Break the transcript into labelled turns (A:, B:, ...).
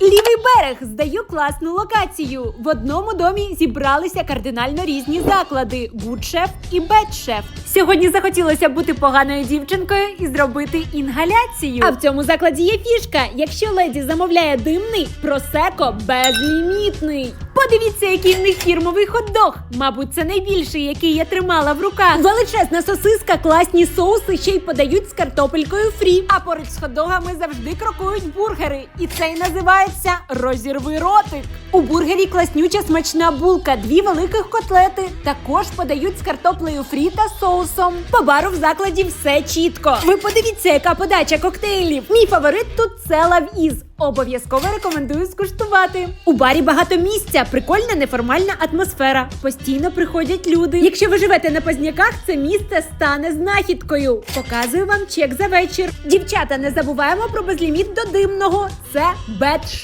A: Лівий берег, здаю класну локацію. В одному домі зібралися кардинально різні заклади – Good-Chef і Bad-Chef. Сьогодні захотілося бути поганою дівчинкою і зробити інгаляцію. А в цьому закладі є фішка. Якщо леді замовляє димний, просеко безлімітний. Подивіться, який в них фірмовий хот-дог. Мабуть, це найбільший, який я тримала в руках. Величезна сосиска, класні соуси ще й подають з картопелькою фрі. А поруч з хот-догами завжди крокують бургери. І цей називається «Розірви ротик». У бургері класнюча смачна булка, 2 великих котлети. Також подають з картоплею фрі та соусом. По бару в закладі все чітко. Ви подивіться, яка подача коктейлів. Мій фаворит тут – це Love Is. Обов'язково рекомендую скуштувати. У барі багато місця, прикольна неформальна атмосфера. Постійно приходять люди. Якщо ви живете на Позняках, це місце стане знахідкою. Показую вам чек за вечір. Дівчата, не забуваємо про безліміт до димного. Це Bad-Chef.